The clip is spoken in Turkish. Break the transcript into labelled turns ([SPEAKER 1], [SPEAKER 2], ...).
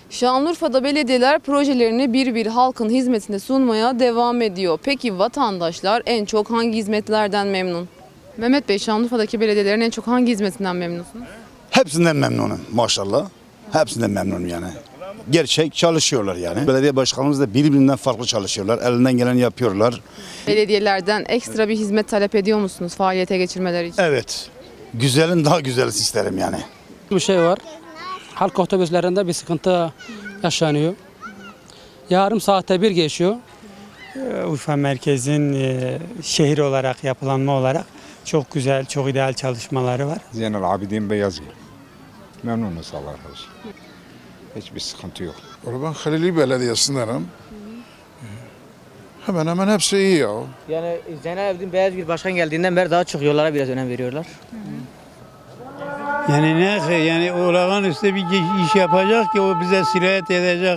[SPEAKER 1] Şanlıurfa'da belediyeler projelerini bir bir halkın hizmetine sunmaya devam ediyor. Peki vatandaşlar en çok hangi hizmetlerden memnun? Mehmet Bey, Şanlıurfa'daki belediyelerin en çok hangi hizmetinden memnunsunuz?
[SPEAKER 2] Hepsinden memnunum maşallah. Hepsinden memnunum yani. Gerçek çalışıyorlar yani. Belediye başkanımız da birbirinden farklı çalışıyorlar. Elinden geleni yapıyorlar.
[SPEAKER 1] Belediyelerden ekstra bir hizmet talep ediyor musunuz faaliyete geçirmeleri için?
[SPEAKER 2] Evet. Güzelin daha güzelini isterim yani.
[SPEAKER 3] Bir şey var. Halk otobüslerinde bir sıkıntı yaşanıyor. Yarım saatte bir geçiyor.
[SPEAKER 4] Urfa merkezin şehir olarak, yapılanma olarak çok güzel, çok ideal çalışmaları var.
[SPEAKER 5] Zeynel Abidin Beyazgil. Memnunuz Allah razı olsun. Hiçbir sıkıntı yok.
[SPEAKER 6] Ben Halili Belediyesi'ndenim. Hemen hemen hepsi iyi ya.
[SPEAKER 7] Yani Zeynel Abidin Beyazgil Başkan geldiğinden beri daha çok yollara biraz önem veriyorlar.
[SPEAKER 4] Yani ne yani olağanüstü bir iş yapacak ki o bize sirayet edecek.